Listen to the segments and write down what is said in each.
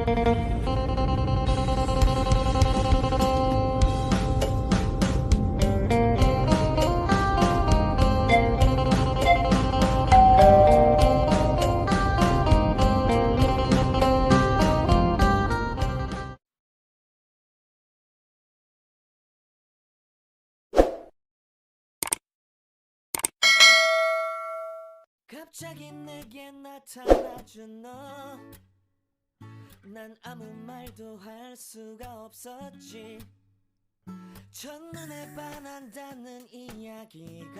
갑자기 내게 나타나준 너 난 아무 말도 할 수가 없었지 첫눈에 반한다는 이야기가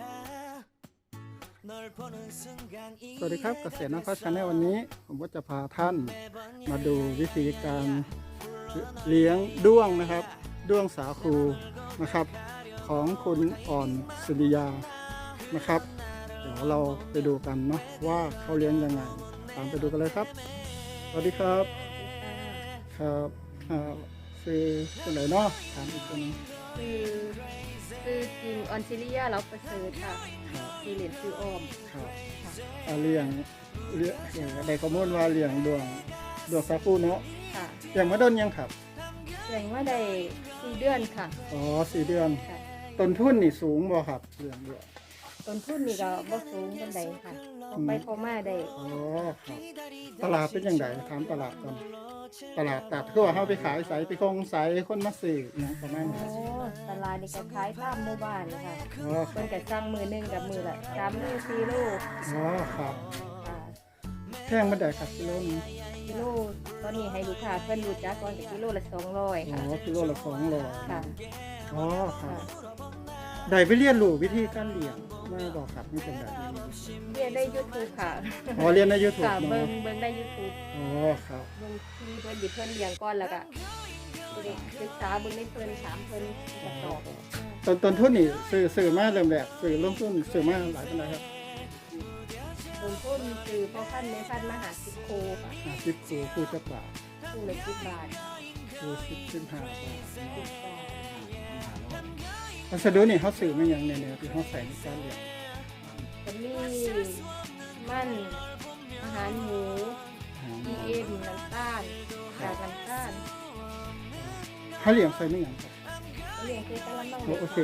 널 보는 순간 สวัสดีครับเกษตรนครชาแนลวันนี้ผมก็จะพาท่านมาดูวิธีการเลี้ยงด้วงนะครับด้วงสาคูนะครับของคุณอ่อนศิริยานะครับเดี๋ยวเราไปดูกันเนาะว่าเขาเลี้ยงยังไงตามไปดูกันเลยครับสวัสดีครับครับคือเป็นไรเนาะถามอีกคนคือจริงออนซิเลียเราประเสริฐค่ะคือเหรียญซื้อออมครับเลี้ยงได้ข้อมูลว่าเลี้ยงด้วงสาคูเนาะค่ะเลี้ยงมาโดนยังครับแสดงว่าได้4 เดือนค่ะอ๋อ4 เดือนต้นทุนนี่สูงบ่ครับเลี้ยงด้วยต้นทุนนี่ก็บ่สูงปานใดค่ะไปพอมาได้อ๋อครับตลาดเป็นยังไงถามตลาดก่อนตลาดตัดคือว่าเฮาไปขายใส่ไปคงใส่คนมาซื้อหยังประมาณนี้ตลาดนี่ก็ขายตามหมู่บ้านค่ะอ๋อเพิ่นก็สั่งมื้อนึงกับมื้อละ3 โล 4 โลอ๋อครับค่ะแพงบ่ได้ครับกิโลนึงกิโลตอนนี้ให้ลูกค้าเพิ่นรู้จักก่อนกิโลละ200ค่ะอ๋อกิโลละ200 ค่ะอ๋อครับได้ไปเรียนรู้วิธีการเลี้ยงมาบอกครับนี่เป็นแบบนี้เรียนได้ YouTube ค่ะอ๋อเรียนใน YouTube ค่ะเบิ่งได้ YouTube อ๋อครับเบิ่งที่เพิ่นหยิบเพิ่นเลี้ยงก่อนแล้วก็ศึกษาเบิ่งในเพิ่นถามเพิ่นก็ตอบต้นทุนนี่ซื้อมาเริ่มแรกซื้อลงทุนซื้อมาหลายปานใดครับต้นทุนคือพ่อพันธุ์แม่พันธุ์มาหา10 โคค่ะ 10 คู่จักบาทคู่ละ10 บาทคู่15 บาท 10 บาทวัสดุนี่เขาซื้อมาอย่างเนี่ยที่เขาใส่ในการเลี้ยงจะมีมันอาหารหมู EM น้ำตาลจากน้ำตาลเขาเลี้ยงใส่ไม่อย่างครับเลี้ยงคือแต่ละน้องโอเค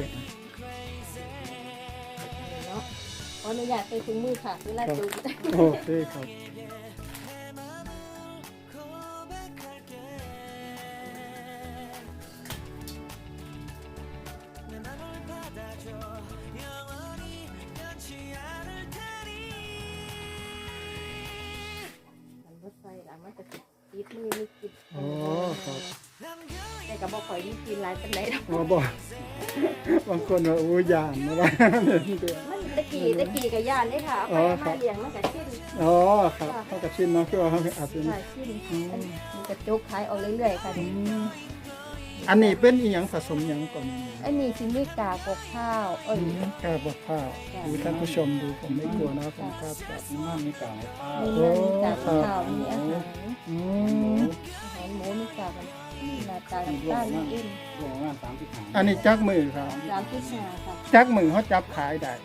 เนาะขออนุญาตใส่ถุงมือค่ะเวลาจูบโอเคครับติดมือนี่ติดอ๋อครับแต่ก็บ่ค่อยมีกินหลายปานใดดอกอ๋อบางคนว่าโอ้ยานนะว่ามันตะกี้ก็ย่านเด้ค่ะเอาไปมาเลี้ยงมันก็ชินอ๋อครับเฮาก็ชินเนาะคือว่าเฮาอาจสิชินมันก็จกขายออกเรื่อยๆค่ะอันนี้เป็นอีหยังผสมหยังก่อนอันนี้สิมีกากบข้าวกากบข้าวท่านผู้ชมดูผมไม่กลัวนะผมก็แบบน้ำมีกากข้าวมีกากข้าวมีอาหารหมูมีกากหน้าตาด้านนี้อันนี้จักมือครับ 35ค่ะจักมือเขาจับขายได้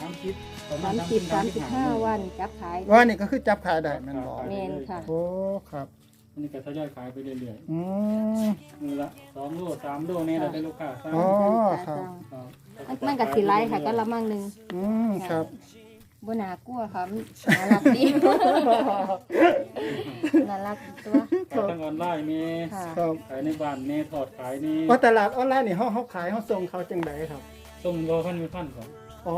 35 วันจับขายว่านี่ก็คือจับขายได้แม่นบ่แม่นค่ะโอ้ครับอันนี้ก็ทยอยขายไปเรื่อยๆมือละ2 โล 3 โลนี่เราได้ลูกค้าสั่งอ๋อครับมันก็สิหลายค่ะก็ละมั่งนึงครับบ่น่ากลัวค่ะน่ารักดีน่ารักตัวขายทางออนไลน์นี่ขายในบ้านนี่ทอดขายนี่ตลาดออนไลน์นี่เฮาขายเฮาส่งเขาจังได๋ครับส่งโลพันก่อนอ๋อ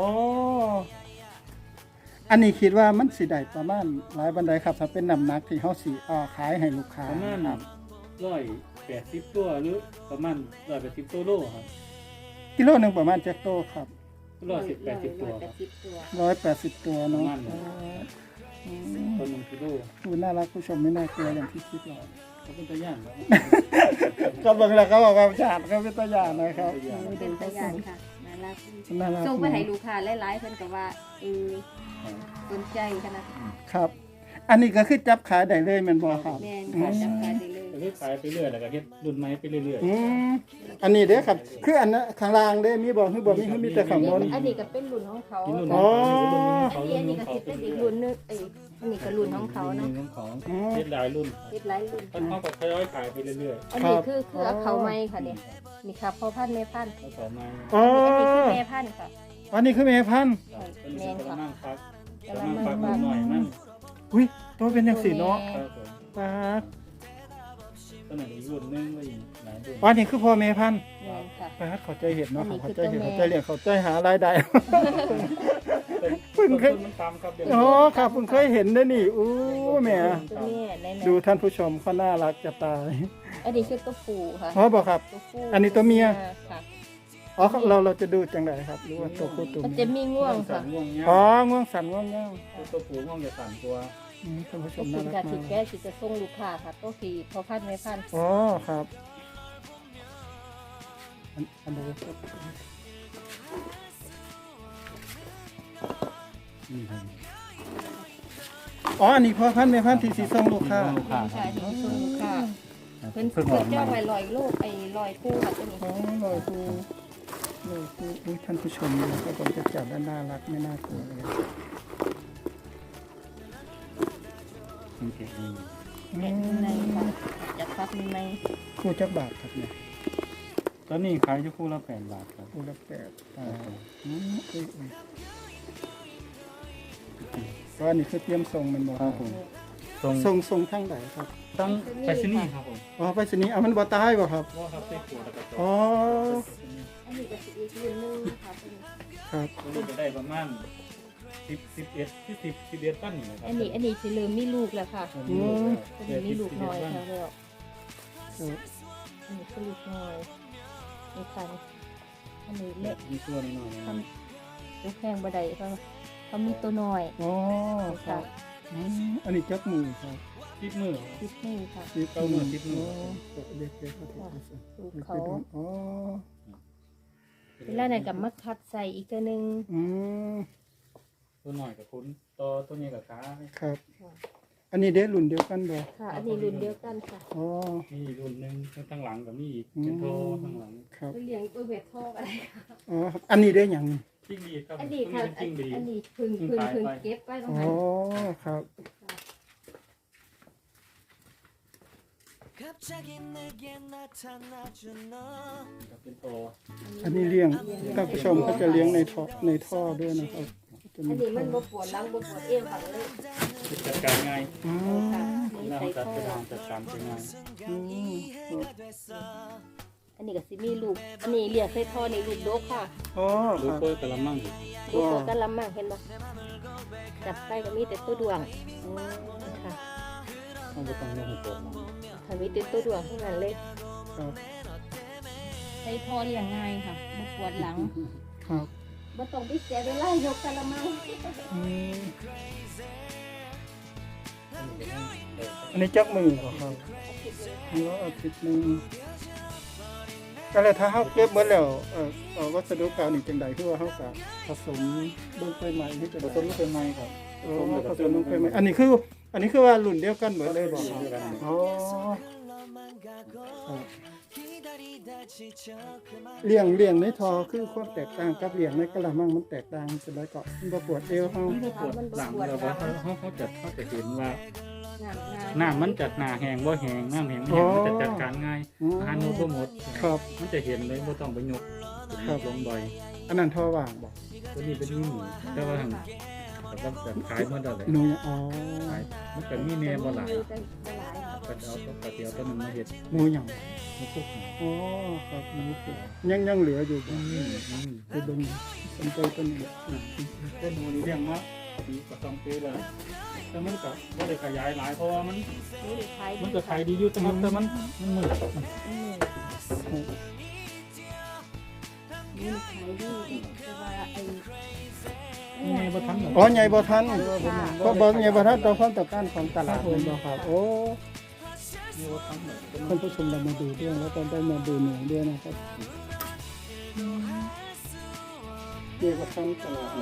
อันนี้คิดว่ามันสิได้ประมาณหลายบันไดครับถ้าเป็นน้ำหนักที่เฮาสิขายให้ลูกค้าประมาณ180 ตัวหรือประมาณ180ตัวโลครับกิโลนึงประมาณจักโตครับ 180 ตัวครับ 180 ตัวเนาะตัว1 กิโลดูน่ารักผู้ชมไม่น่ากลัวอย่างที่คิดหรอกเขาเป็นตัวอย่างก็เบิ่งแล้วเขาบอกว่าฉาดเขาเป็นตัวอย่างนะครับเป็นตัวอย่างค่ะน่ารักส่งไปให้ลูกค้าหลายๆเพิ่นก็ว่าสนใจขนาดครับอันนี้ก็คือจับขายได้เลยแม่นบ่ครับแม่นค่ะจับขายได้เลยก็ขายไปเรื่อยแล้วก็เฮ็ดรุ่นใหม่ไปเรื่อยๆอันนี้เด้อครับคืออันนั้นข้างล่างเด้มีบ่คือบ่มีแต่ข้างบนอันนี้ก็เป็นรุ่นของเขาอ๋ออันนี้ก็สิเป็นอีกรุ่นนึงอันนี้ก็รุ่นของเขาเนาะรุ่นของเฮ็ดหลายรุ่นเฮ็ดหลายรุ่นเพิ่นเขาก็ทยอยขายไปเรื่อยอันนี้คือเอาเขาไม้ค่ะเนี่ยนี่ค่ะพ่อพันธุ์แม่พันธุ์ๆแล้วต่อมาอ๋ออันนี้คือแม่พันธุ์ค่ะอันนี้คือแม่พันธุ์เป็นกระมังฟักกกะระละมังมัฟักงฟักหน่อยมันอุ้ยตัวเป็นอย่างสีเนาะครับผมปาดตัวไหนอีกรุ่นนึงก็อีกหลายรุ่นอันนี้คือพ่อแม่พันธุ์แม่นค่ะปาดเข้าใจเห็นเนาะอันนี้เข้าคือใจเห็นตัวแม่เข้าใจเรียนเข้าใจหารายได้เพิ่งเคยมันตามครับเดี๋ยวอ๋อครับผมเคยเห็นด้วยนี่อู้แหม่ตัวแม่ในดูท่านผู้ชมเขาน่ารักจะตายอันนี้คือตัวผู้ค่ะอ๋อบอกครับตัวผู้อันนี้ตัวเมียค่ะอ๋อเราจะดูจังไดครับหรือว่าตัวผู้ตัวมันเมีจะยมีง่วงสัค่ะนง่วงเงี้ยอ๋อง่วงสันง่วงเงาตัวผู้ง่วงจะสั่นตัวท่านผู้ชตัวมคุน่าณรักค่ะมาสิกแก้สิจะส่งลูกค้าค่ะตัวสีพ่อพันธุ์แม่พันธุ์อ๋อครับอันนี้ครับนี่ครับอ๋ออันนี้พ่อพันธุ์แม่พันธุ์ที่สีส้มลูกค้านี่ค่ะที่จะส่งลูกค้าเพิ่นเพิ่งออกเจ้ามาไว้100ลูกไอ้100คู่ค่ะตัวนี้อ๋อลอยคูอุ้ยท่านผู้ชมดูครับผมจะจับด้านน่ารักไม่น่ากลัวเลยมันเก่งดีแกะข้างในค่ะจะฟักในคู่จักบาทครับเนี่ยตอนนี้ขายอยู่คู่ละ8 บาทครับคู่ละ8อุ้ยก็อันนี้คือเตรียมส่งมันบอกครับผมตรงส่งทางไหนครับตั้งไปที่นี่ครับผมอ๋อไปสนีย์เอามันบ่ตายบ่ครับว่าครับใส่ขวดแล้วก็จอ๋ออันนี้ก็สิอีกรุ่นหนึงค่ะตัวนี้ครับตัวนี้จะได้ประมาณ11ตันนี่นะครัอันนี้สิเริ่มมีลูกแล้วค่ะตัวตัวนี้มีลูกน้อย 11 ค่ะแล้วครับอันนี้คือลูกน้อยนี่ค่ะอันนี้เล็กมีตัวน้อยๆทนะำลูกแข้งบ่ได้เขามีตัวน้อยอ๋อครับอันนี้จักมือครับติดมือติดนี่ค่ะ 10 เก้ามือ10มือเด็กๆเขาถือลูกเขาอ๋อเวลานั้นก็มาคัดใส่อีกตัวหนึงอืมตัวหน่อยกับคุณตัวนี้กับขาครับ อันนี้เด็รุ่นเดียวกันบ่ค่ะ อันนี้รุ่นเดียวกันค่ะอ๋อมีอีกรุ่นหนึงข้างหลังกับมีอีกเป็นโทข้างหลังครับเลี้ยงตัวเวททอกอะไรอ๋อครับอันนี้ได้หยังนี่จิ้งดีครับอันนี้ค่ะจริงดีอันนี้พึ่งเก็บไว้ตรงอ๋อนั้นครับ 갑자기 내게 나타나준 너 กับเป็นโตอันนี้เลี้ยงท่านผู้ชมเขาจะเลี้ยงในท่อด้วยนะครับจะอัมีนนี้มันบ่ปวดหลังบ่ปวดเอวค่ะเลยจัดการง่ายอ๋อค่ะเวนี่ลาใส่จัดข้อการจัดการเป็นง่ายอืม 이해가 됐어 อันนี้ก็สิมีลูก อันนี้เลี้ยงใส่ท่อนี่ลูกดกค่ะอ๋อลูคกรับเปิดกระมังอยู่ลูกโตกันลำมากเห็นบ่จับไปก็มีแต่ตัวดวงค่ะต้องไปต้องเรื่องตัวมันค่ะมีแต่ตัวดวงเท่านั้นเลยครับใส่ท่อเลี้ยงง่ายค่ะบ่ปวดหลังครับบ่ต้องไปเสียเวลายกกะละมังอืมอันนี้จักมือเหรอครับแล้วอาทิตย์หนึงก็เลยถ้าเฮาเก็บหมดแล้ววัสดุเก่านี่จังได๋คือว่าเฮาก็ผสมลงไปใหม่ที่จะผสมลูกเป็นไม้ครับผสมลงไปใหม่อันนี้คือว่ารุ่นเดียวกันหมดเลยบ่ครับอ๋อ 흘러만 가고 기다리다 지쳐 그만 เลี้ยงในทอคือความแตกต่างกับเลี้ยงในกระมังมันแตกต่างเป็นไรก็มันบ่ปวดเอวเฮามันปวดหลังเราว่าเขาจะเห็นว่าน้ำน้ำมันจัดหนาแห้งบ่แห้งน้ำแห้งบ่แห้งมันจะจัดการง่ายอาหารหมดบ่หมดครับมันจะเห็นเลยบ่ต้องไปยกลงบ่อยอันนั้นทอว่างบ่ตัวนี้เป็นหมูแต่ว่าทางแต่ว่าแบบขายหมดแล้วแหละหนูอ๋อขายมันก็มีแน่บ่หลายบ่หลายค่ะก็เอาตัวกระเทียมตัวนึงมาเฮ็ดหนูหยังมาคุกอ๋อครับหนูผูกยังเหลืออยู่บ่นี่ไปเบิ่งสนใจต้นนี้ต้นหมูนี่เลี้ยงมาปีกว่า2ปีแล้วแต่มันก็บ่ได้ขยายหลายเพราะว่ามันนี่ขายมันก็ขายดีอยู่แต่มันมืดนี่ขายดีแต่ว่าไอ้นี่ไงบ่ทันอ๋อใหญ่บ่ทันเพราะบ่ใหญ่บ่ทันต่อความต้องการของตลาดเลยบ่ครับโอ้นี่บ่ทันท่านผู้ชมเรามาดูด้วยแล้วก็ได้มาดูหนูด้วยนะครับเรียกว่าทั้งตลาด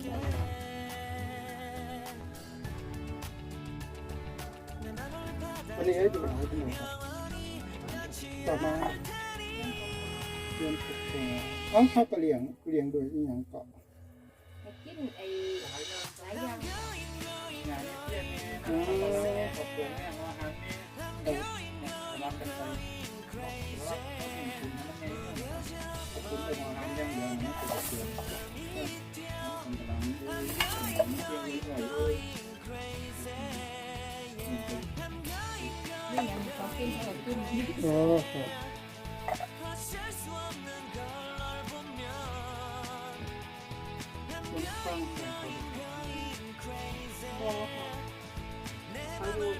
내 맘을 받아 วันนี้ให้ดูหน่อยครับต่อมาเรียนฝึกตัวเขาก็เลี้ยงโดยอีหยังเกาะให้กินไอ้หลายอย่างงานเที่ยงนี้นะขอบคุณแม่ว่าหางนี้รับกันไปรับคุณนั่นเองคุณไปนอนหางยังเดียวนะตัวเสือคนกำลังมันเที่ยงนี้เลยนี่ยังเขากินเขากินอ๋อครับคุณฟังโอ้ค่ะเขาอยู่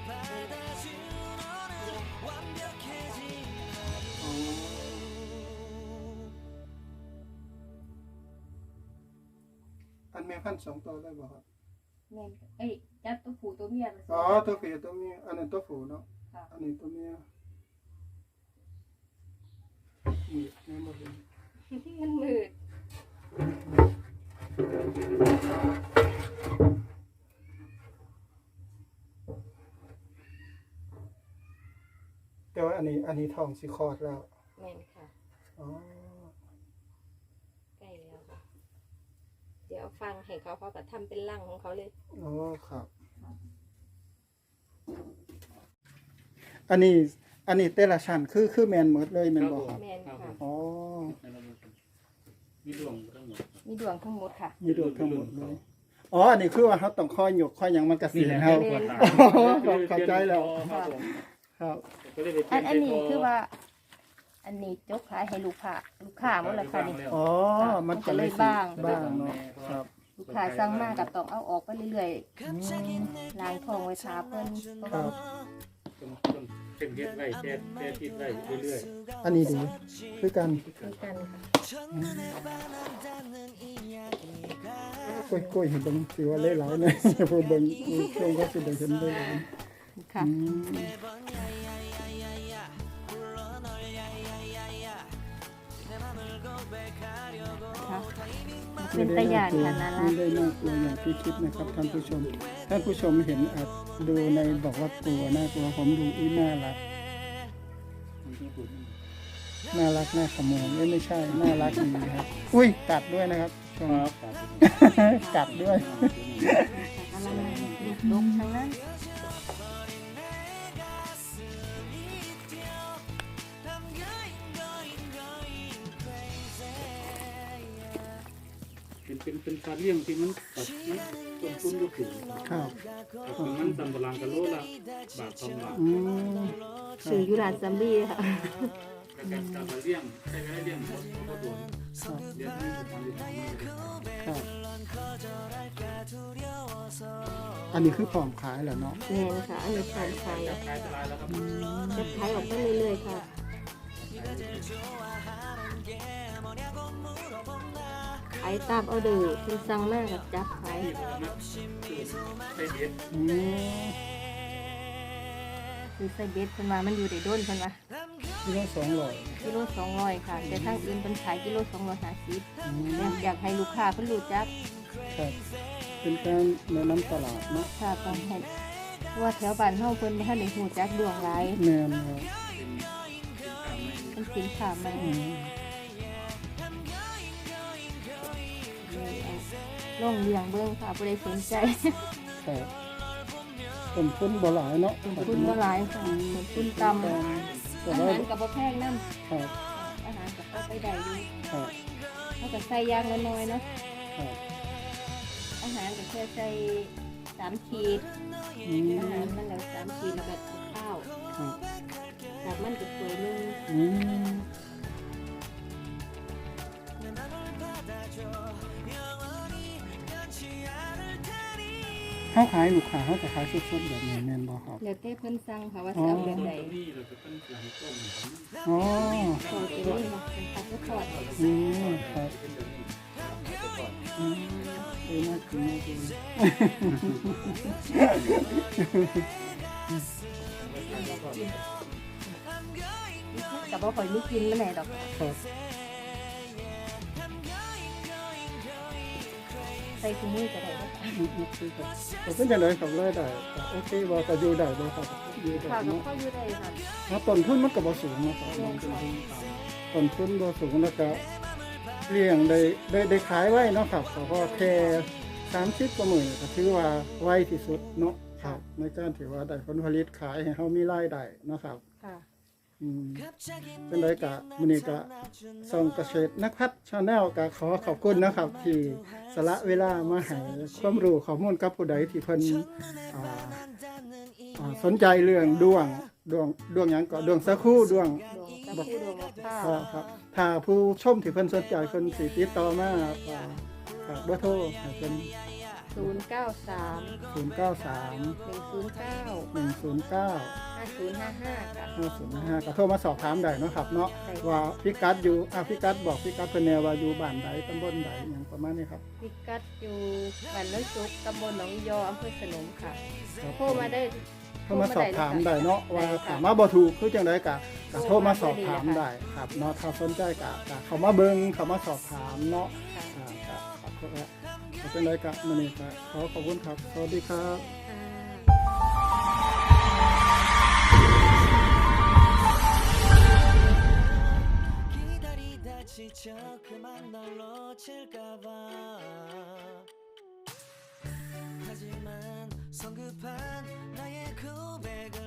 อันแม่พันธุ์2ตัวได้บ่ครับแม่เอ้ยจับตัวผู้ตัวเมียมาอ๋อตัวเมียตัวเมียอันนั้นตัวผู้เนาะค่ะอันนี้ตัวเมียนี่แม่บ่เห็นมันมืดแต่ว่าอันนี้ท้องสิคลอดแล้วแม่นค่ะอ๋อใกล้แล้วค่ะเดี๋ยวเอาฟังให้เขาก็ทำเป็นร่างของเขาเลยอ๋อครับ อันนี้แต่ละชั้นคือแม่นหมดเลยแม่นบ่ครับแม่นค่ะอ๋อมีดวงทั้งหมดมีดวงทั้งหมดค่ะมีดวงทั้งหมดเลยอ๋ออันนี้คือว่าเฮาต้องคอยหยกคอยหยังมันก็สิเฮา เข้าใจแล้ว ครับอันนี้คือว่า อันนี้จกขายให้ลูกค้าหมดแล้วค่ะนี่อ๋อมันก็เลยสิบ้างเนาะครับลูกค้าสั่งมาก็ต้องเอาออกไปเรื่อยๆล้างท้องไว้ทาเพิ่นครับเป็นเฮ็ดไว้แค่ติดไว้เรื่อยอันนี้ดีคือกันคือกันค่ะกล้วยเห็นเบิ่งสิว่าหลายๆเนี่ยผู้เบิ่งช่วงก็สิได้เห็นได้หลายค่ะ ค่ะเป็นตะยานค่ะนั่นไม่ละได้น่ากลัวอย่างที่คิดนะครับท่านผู้ชมเห็นอาจดูในบอกว่ากลัวน่ากลัวผมดูน่ารักน่าขโมยไม่ใช่น่ารักดีครับอุ้ยกัดด้วยนะครับชม กัดด้วยอะไรลงทางนั้นเป็นสัตว์เลี้ยงที่มันต้นทุนก็สูงครับแต่มันตำบลางกะโลละบาท2 บาทสื่อยุราซัมบี้ค่ะแต่การจับเลี้ยงใช้เวลาเลี้ยงก็โดนเลี้ยงไม่ถูกทางดีครับ อันนี้คือพร้อมขายแล้วเนาะแม่นค่ะ อันนี้การขายขายตลาดแล้วครับจะขายออกไปเรื่อยๆค่ะขายตามออเดอร์เป็นสั่งมากกับจับขายที่มันใส่เด็ดคือใส่เบ็ดเพิ่นมามันอยู่ได้โดนเพิ่นว่ากิโล200 กิโล200ค่ะแต่ทางอื่นเพิ่นขายกิโล250อยากให้ลูกค้าเพิ่นรู้จักครับเป็นการแนะนำตลาดเนาะค่ะต้องให้เพราะว่าแถวบ้านเฮาเพิ่นบ่ทันได้ฮู้จักดวงหลายแม่นครับเป็นสินค้าใหม่ ลองเลี้ยงเบิ่งค่ะผู้ใดสนใจครับต้นทุนบ่หลายเนาะคุณบ่หลายค่ะคุณต่ำแต่อาว่าหารก็บ่แพงนำครับอาหารก็พอไปได้อยู่ครับเฮาก็ใส่อย่างละน้อยเนาะครับอาหารก็แค่ใส่3ขีดอาหารมันแล้ว3ขีดแล้วก็ข้าวครับจากมันก็ถ้วยนึงอืมเขาขายลูกค้าเขาจะขายสดๆแบบนี้แม่นบ่ครับแล้วแต่เพิ่นสั่งค่ะว่าสิเอาแบบใดนี่เราจะเป็นหลังต้มอ๋อขอตัวนี้ค่ะเป็นผักกระทอดอืมครับเป็นแบบนี้อืมน่ากินมากเลยก็บ่ค่อยมีกินแล้วแหละดอกครับใส่ถุงมือก็ได้เนาะคือครับแต่เป็นอย่างไรครับรายได้ก็โอเคบ่ก็อยู่ได้บ่ครับอยู่ได้ค่ะก็เนาะเข้าอยู่ได้ค่ะต้นทุนมันก็บ่สูงเนาะครับต้นทุนบ่สูงแล้วก็เลี้ยงได้ขายไว้เนาะครับก็แค่30กว่ามื้อก็ถือว่าไวที่สุดเนาะครับในการที่ว่าได้ผลผลิตขายให้เฮามีรายได้เนาะครับค่ะเป็นไรกะมื้อนี้กะส่องเกษตรนักพัฒน์ Channel กะขอขอบคุณนะครับ ที่สละเวลามาให้ความรู้ข้อมูลกับผู้ใดที่เพิ่นสนใจเรื่องดวงหยังก็ดวงสะคู่ดวงดวงตะคู่ดวงมะพร้าวครับถ้าผู้ชมที่เพิ่นสนใจเพิ่นสิติดต่อมาฝากเบอร์โทรให้เพิ่น 093 093 109 109 5055ค่ะ 5055ก็โทรมาสอบถามได้เนาะครับเนาะว่าพิกัดอยู่พิกัดบอกพิกัดเพิ่นแนวว่าอยู่บ้านใดตำบลใดหยังประมาณนี้ครับพิกัดอยู่บ้านน้ำซุกตำบลหนองยออำเภอสนมค่ะครับโทรมาได้โทรมาสอบถามได้เนาะว่าถามมาบ่ถูกคือจังไดก็โทรมาสอบถามได้ครับเนาะถ้าสนใจก็เข้ามาเบิ่งเข้ามาสอบถามเนาะค่ะครับจังไดก็มื้อนี้ก็ขอบคุณครับสวัสดีครับ 지쳐 그만 널 놓칠까봐 하지만 성급한 나의 고백은